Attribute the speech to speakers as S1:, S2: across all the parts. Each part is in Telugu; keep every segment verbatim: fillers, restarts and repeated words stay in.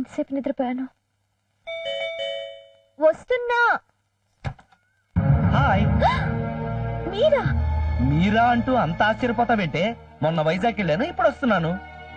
S1: ఎంతసేపు నిద్రపోయాను. వస్తున్నా.
S2: హాయ్.
S1: మీరా?
S2: మీరా అంటూ అంత ఆశ్చర్యపోతావేంటే? మొన్న వైజాగ్ వెళ్ళాను, ఇప్పుడు వస్తున్నాను.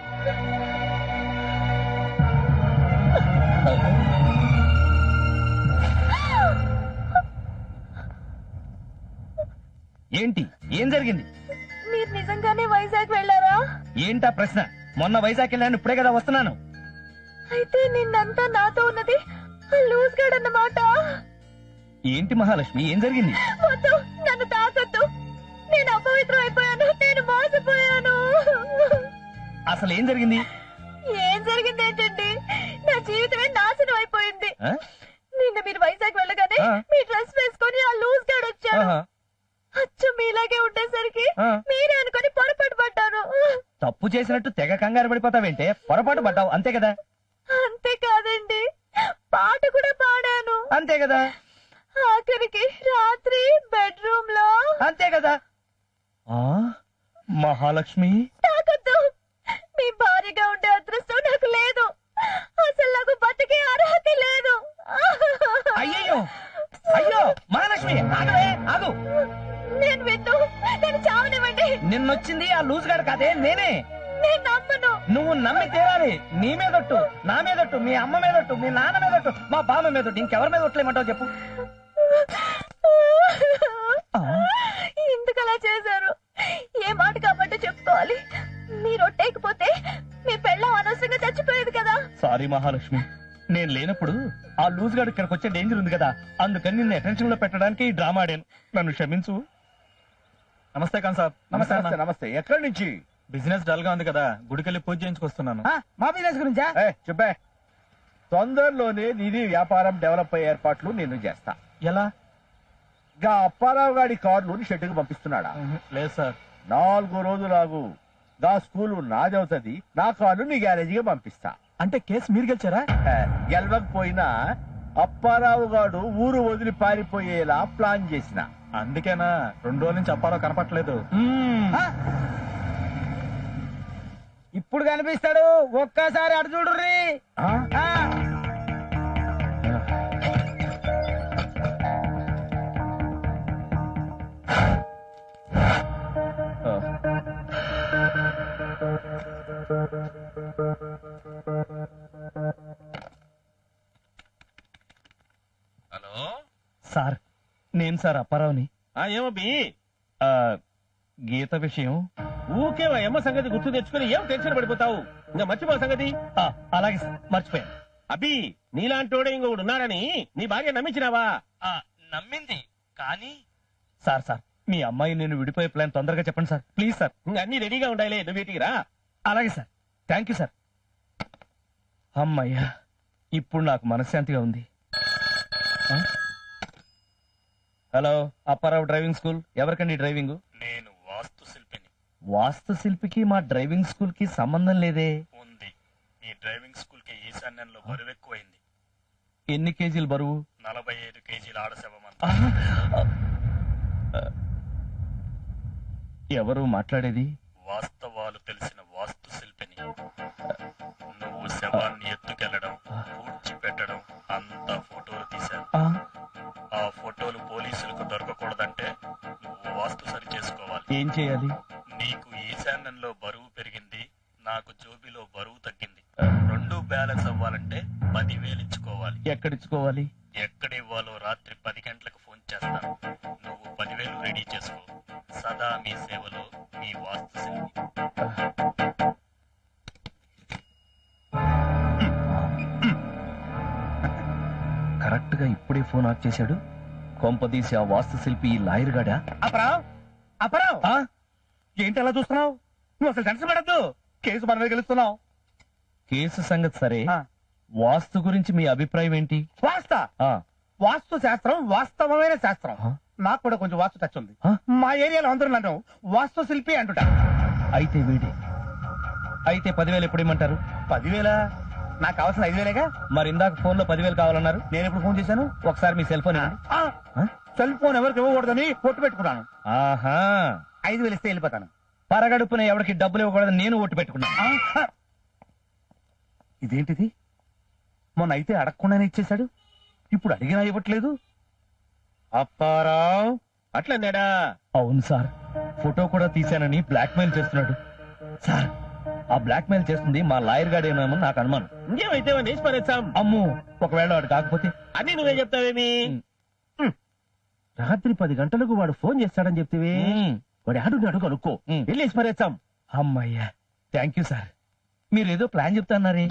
S2: ఏంటి, ఏం జరిగింది?
S1: మీరు నిజంగానే వైజాగ్ వెళ్ళారా?
S2: ఏంటా ప్రశ్న? మొన్న వైజాగ్ వెళ్ళాను, ఇప్పుడే కదా వస్తున్నాను.
S1: అయితే నిన్నంతా నాతో ఉన్నది లూజ్ గార్డ్ అన్నమాట.
S2: ఏంటి మహాలక్ష్మి, ఏం జరిగింది?
S1: వద్దు, నన్ను తాకొద్దు. నేను అపవిత్రం అయిపోయాను. నేను మోసపోయాను.
S2: అసలు ఏం జరిగింది?
S1: ఏం జరిగింది ఏంటండి? నా జీవితమే నాశనం అయిపోయింది.
S2: ఆ?
S1: నిన్న మీరు వైజాగ్ వెళ్ళగానే
S2: ఆ.
S1: మీ డ్రెస్ వేసుకొని ఆ లూజ్ గార్డ్ వచ్చాడు.
S2: ఆహా.
S1: అచ్చు మీలాగే ఉండేసరికి
S2: ఆ.
S1: మీరే అనుకొని పొరపాటు పడ్డాను.
S2: తప్పు చేసినట్టు తెగ కంగారు పడిపోతావేంటే? పొరపాటు పడ్డావు, అంతే కదా?
S1: అంతే కాదండి, పాట కూడా పాడాను.
S2: అంతే కదా?
S1: ఆఖరికి రాత్రి బెడ్రూమ్ లో.
S2: అంతే కదా? ఆ మహాలక్ష్మి,
S1: తాకొద్దు. మీ భార్యగా ఉండే అదృష్టం నాకు లేదు. అసలు నాకు బతికే అర్హత లేదు.
S2: అయ్యయ్యో, అయ్యో మహాలక్ష్మి, ఆగవే, ఆగు.
S1: నేను విన్ను, నేను చావనివ్వండి.
S2: నిన్నొచ్చింది ఆ లూజ్ గాడు కాదే, నేనే.
S1: నేను నమ్మను.
S2: నువ్వు నమ్మి తీరాలి. నీ మీదొట్టు, నా మీదొట్టు, మీ అమ్మ మీదొట్టు, మీ నాన్న మీదొట్టు, మా బామ్మ మీదొట్టు, ఇంకెవరి మీద ఒట్లేమంటావు చెప్పు. ఆ.
S1: ఎందుకు అలా చేశారు? ఏ మాట కాబట్టి చెప్పుకోవాలి. మీరు ఒట్టేకపోతే మీ పెళ్ళం అనవసరంగా చచ్చిపోయేది కదా.
S2: సారీ మహాలక్ష్మి, నేను లేనప్పుడు ఆ లూజ్ గాడు ఇక్కడికి వచ్చే డేంజర్ ఉంది కదా, అందుకని నిన్ను అటెన్షన్ లో పెట్టడానికి ఈ డ్రామా ఆడాను. నన్ను క్షమించు. నమస్తే ఖాన్ సాబ్.
S3: నమస్తే నమస్తే నమస్తే. ఎక్కడి నుంచి?
S2: బిజినెస్ డల్ గా ఉంది కదా, గుడికెళ్ళి పూజ చేయించుకొస్తున్నాను.
S3: మా బిజినెస్ గురించా? చెప్పే. తొందరలోనే నీది వ్యాపారం డెవలప్ అయ్యే ఏర్పాట్లు నేను చేస్తా.
S2: ఎలా?
S3: గా అప్పారావు గాడి కార్లు షెడ్డుకు పంపిస్తున్నాడా?
S2: లేదు సార్.
S3: నాలుగు రోజులాగు గా స్కూలు నాదవుతుంది, నా కార్లు నీ గ్యారేజీగా పంపిస్తా.
S2: అంటే కేసు మీరు గెలిచారా?
S3: హే, గెలవకపోయినా అప్పారావు గాడు ఊరు వదిలి పారిపోయేలా ప్లాన్ చేసిన.
S2: అందుకేనా రెండు రోజుల నుంచి అప్పారావు కనపట్లేదు.
S4: ఇప్పుడు కనిపిస్తాడు, ఒక్కసారి అటు చూడుర్రి.
S3: హలో
S2: సార్, నేను సార్ అప్పారావుని.
S3: ఏమబ్బి?
S2: ఆ, గీత విషయం.
S3: ఊకే అమ్మ సంగతి గుర్తు తెచ్చుకుని ఏం టెన్షన్ పడిపోతావు? ఇంకా మర్చిపో సంగతి.
S2: ఆ, అలాగే సార్, మర్చిపోయాను.
S3: అబ్బి, నీలాంటోడే ఇంకొకడు ఉన్నాడని నీ భార్య నమ్మించినావా?
S2: ఆ, నమ్మింది కానీ. సార్ సార్, మీ అమ్మాయి నేను విడిపోయే ప్లాన్ తొందరగా చెప్పండి సార్, ప్లీజ్ సార్.
S3: ఇంకా అన్ని రెడీగా ఉండాలి, నువ్వు వీటికి రా.
S2: అలాగే సార్, థ్యాంక్ యూ సార్. అమ్మయ్యా, ఇప్పుడు నాకు మనశ్శాంతిగా ఉంది. ఆ? Hello, Apparao driving school. ఎవరికండి డ్రైవింగ్?
S5: నేను వాస్తు శిల్పిని.
S2: వాస్తు శిల్పికి మా డ్రైవింగ్ స్కూల్ కి సంబంధం లేదే.
S5: ఉంది. మీ డ్రైవింగ్ స్కూల్ కి ఈశాన్యంలో బరువు ఎక్కువైంది.
S2: ఎన్ని కేజీలు బరువు?
S5: నలభై ఐదు కేజీల ఆడశవమంత.
S2: ఎవరు మాట్లాడేది?
S5: వాస్తవాలు తెలిసిన వాస్తు శిల్పిని. నువ్వు శవాన్ని ఎత్తుకెళ్లడం, పూడ్చిపెట్టడం అంతా ఫోటోలు తీశాను.
S2: ఆ,
S5: ఆ ఫోటోలు పోలీసులకు దొరకకూడదంటే నువ్వు వాస్తు సరి చేసుకోవాలి.
S2: ఏం చేయాలి?
S5: నీకు ఈశాన్యంలో బరువు పెరిగింది, నాకు జోబిలో బరువు తగ్గింది. రెండు బ్యాలెన్స్ అవ్వాలంటే పదివేలు ఇచ్చుకోవాలి.
S2: ఎక్కడిచ్చుకోవాలి?
S5: ఎక్కడివ్వాలో రాత్రి పది గంటలకు ఫోన్ చేస్తాను. నువ్వు పదివేలు రెడీ చేసుకో. సదా మీ సేవలో మీ వాస్తు శిల్పి.
S2: కరెక్ట్ గా ఇప్పుడే ఫోన్ ఆఫ్ చేశాడు. కొంపదీసి ఆ వాస్తు శిల్పి ఈ లాయర్ గాడా?
S3: అపరావ్, అపరావ్,
S2: ఆ?
S3: ఏంటి అలా చూస్తున్నావు? నువ్వు అసలు టెన్షన్ పడద్దు, కేసు మన మీద గెలుస్తున్నావు.
S2: కేసు సంగతి సరే,
S3: ఆ.
S2: వాస్తు గురించి మీ అభిప్రాయం ఏంటి?
S3: వాస్త
S2: ఆ,
S3: వాస్తు శాస్త్రం వాస్తవమైన శాస్త్రం.
S2: ఆ?
S3: నాకు కూడా కొంచెం వాస్తు టచ్ ఉంది.
S2: ఆ?
S3: మా ఏరియాలో అందరూ నన్ను వాస్తు శిల్పి అంటుట.
S2: అయితే వీడి అయితే పదివేలు ఎప్పుడు ఇమ్మంటారు?
S3: పదివేల నాకు కావాల్సిన ఐదు వేలేగా.
S2: మరి ఇందాక ఫోన్ లో పదివేలు కావాలన్నారు.
S3: నేను ఎప్పుడు ఫోన్ చేశాను?
S2: ఒకసారి మీ సెల్ ఫోన్ ఇవ్వండి.
S3: ఆ,
S2: ఆ?
S3: సెల్ ఫోన్ ఎవరికి ఇవ్వకూడదని పొట్టు పెట్టుకున్నాను.
S2: ఆహా,
S3: ఐదు వేలు ఇస్తే వెళ్ళిపోతాను.
S2: పరగడుపున ఎవరికి డబ్బులు ఇవ్వకూడదు నేను ఓటు పెట్టుకున్నాను.
S3: ఆ, ఇదేంటిది?
S2: మొన్న అయితే అడగకుండానే ఇచ్చేశాడు, ఇప్పుడు అడిగినా ఇవ్వట్లేదు.
S3: అప్పారావు అట్లన్నాడా?
S2: అవును సార్, ఫోటో కూడా తీశానని బ్లాక్ మెయిల్ చేస్తున్నాడు. సార్, ఆ బ్లాక్ మెయిల్ చేస్తుంది మా లాయర్ గాడేనేమో నాకు అనుమానం.
S3: ఇంకేమైతే వేసి పరేస్తాం.
S2: అమ్ము, ఒకవేళ వాడు కాకపోతే?
S3: అన్ని నువ్వే చెప్తావేమి?
S2: రాత్రి పది గంటలకు వాడు ఫోన్ చేస్తాడని చెప్తివి. వాడు ఆడున్నాడు కనుక్కో, వెళ్ళేసి పరేస్తాం. అమ్మయ్యా, థ్యాంక్ యూ సార్. మీరేదో ప్లాన్ చెప్తాన్నారే.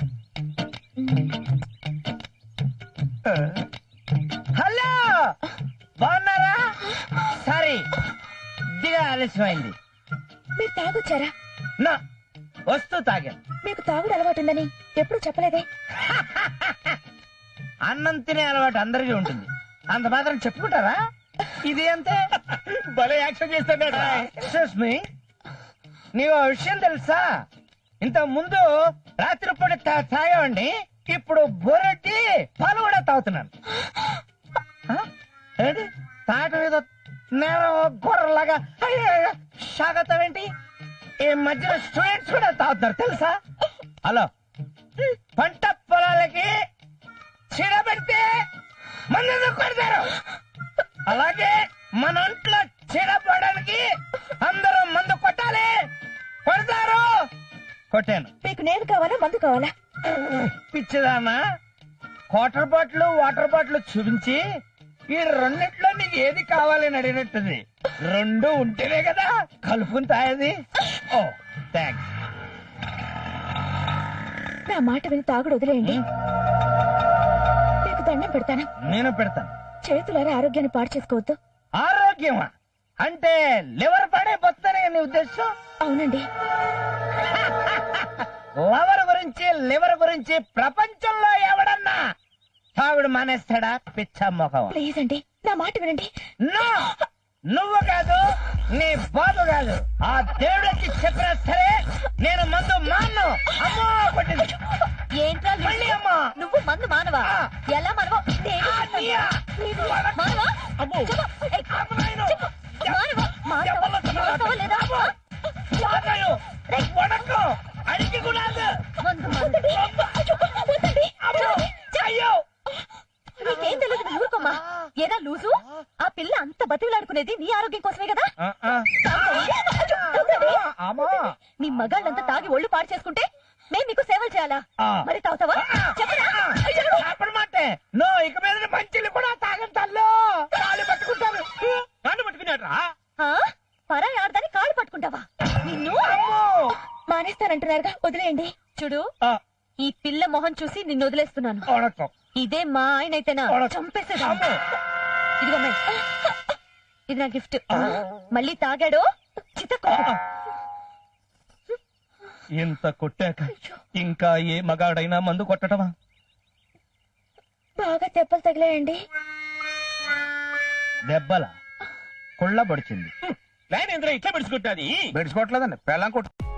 S4: హలో, బాగున్నారా? సారీ, దిగా ఆలస్యమైంది.
S1: మీరు తాగొచ్చారా?
S4: నా వస్తూ తాగా.
S1: మీకు తాగుడు అలవాటుందని ఎప్పుడు చెప్పలేదే.
S4: అన్నం తినే అలవాటు అందరికీ ఉంటుంది, అంత మాత్రం చెప్పుకుంటారా? ఇది అంతే.
S3: భలే యాక్షన్ చేస్తాడా?
S4: ఎక్స్క్యూజ్ మీ, నీకు ఓ విషయం తెలుసా? ఇంత ముందు రాత్రిపూట తా- తాగేవాడిని, ఇప్పుడు బొరటి పాలు కూడా తాగుతున్నాను. ఆ? ఏంటి తాట మీద నేను గొర్రెలాగా సాగతావేంటి? ఈ మధ్యన స్టూడెంట్స్ కూడా తాగుతున్నారు తెలుసా? హలో, పంట పొలాలకి చీడ పెడితే మందు కొడతారు, అలాగే మన ఒంట్లో చీడ పడడానికి అందరూ మందు కొట్టాలి, కొడతారు. కొట్టాను.
S1: మీకు నేను కావాలా, మందు కావాలా?
S4: పిచ్చిదానా, వాటర్ బాటిల్ వాటర్ బాటిల్ చూపించి ఈ రెండిట్లో నీకు ఏది కావాలని అడిగినట్టుంది. రెండు ఉంటేనే కదా కలుపుకుని తాగేది. Oh thanks.
S1: నా మాట విని తాగుడు వదిలేయండి. మీకు దండం పెడతాను.
S4: నేను పెడతాను.
S1: చేతులారా ఆరోగ్యాన్ని పాడు చేసుకోవద్దు.
S4: ఆరోగ్యమా అంటే లివర్ పడే బొత్తనే నీ ఉద్దేశం?
S1: అవునండి.
S4: లవర్ గురించి లివర్ గురించి ప్రపంచంలో ఎవడన్నా తాగుడు మానేస్తాడా? పిచ్చ మొఖం.
S1: ప్లీజ్ అండి, నా మాట వినండి.
S4: నో, నువ్వు కాదు, నీ బాబు కాదు, ఆ దేవుడికి చెప్పినా సరే నేను మందు మాను. అమ్మో కొట్టింది.
S1: ఏంట్రా
S4: మళ్ళీ అమ్మా.
S1: నువ్వు మందు మానవా?
S4: ఆ.
S1: ఎలా మానవా? నేను
S4: ఆ,
S1: చెప్తాను.
S4: నీయా?
S1: నీవు
S4: వడకు.
S1: మానవా?
S4: అమ్మో.
S1: చెప్పు. ఏయ్,
S4: అమ్మ నాయనో.
S1: చెప్పు. మానవా? మానవా?
S4: చెప్పలు చెప్పలు.
S1: మానవా లేదా? ఆ?
S4: వాగాయో. వడకు. అడిగి కూడా
S1: మందు మానండి. వద్దండి.
S4: అమ్మో. అయ్యో.
S1: నీకేం తెలియదు, నువ్వు ఊరుకోమ్మా. ఏదా లూజు? ఆ పిల్ల అంత బతిలాడుకునేది నీ ఆరోగ్యం కోసమే కదా.
S4: ఆ, ఆ.
S1: వద్దండి.
S4: అమ్మా.
S1: నీ మగాళ్ళంతా తాగి ఒళ్ళు పాడు చేసుకుంటే మేము నీకు సేవలు చేయాలా?
S4: ఆ.
S1: మరి తాగుతావా? చెప్పరా? చెప్పు.
S4: అప్పుడు మాటే నో, ఇక మీద మంచిలు కూడా తాగం తల్లు. కాళ్ళు పట్టుకుంటాను.
S3: కాళ్ళు పట్టుకున్నాడ్రా?
S1: ఆ? పరాయి ఆడదాన్ని కాళ్ళు పట్టుకుంటావా? నిన్ను
S4: అమ్మో.
S1: మానేస్తానంటున్నారుగా, వదిలేయండి. చూడు,
S4: ఆ,
S1: ఈ పిల్ల మొహం చూసి నిన్ను వదిలేస్తున్నాను.
S4: వడకు.
S1: ఇదే మా ఆయన అయితేనా చంపేసేదా.
S4: అమ్మో.
S1: ఇదిగో అమ్మాయి, ఇది నా గిఫ్ట్. మళ్ళీ తాగాడో చితకో.
S2: ఇంత కొట్టాక ఇంకా ఏ మగాడైనా మందు కొట్టడమా?
S1: బాగా దెబ్బలు తగిలాయండి.
S4: దెబ్బల కుళ్ళ పడిచింది.
S3: లైన్ ఎందులో ఇట్లా పెడుచుకుంటాది?
S4: బెడ్చుకోవట్లేదండి, పెళ్ళం కొట్టు.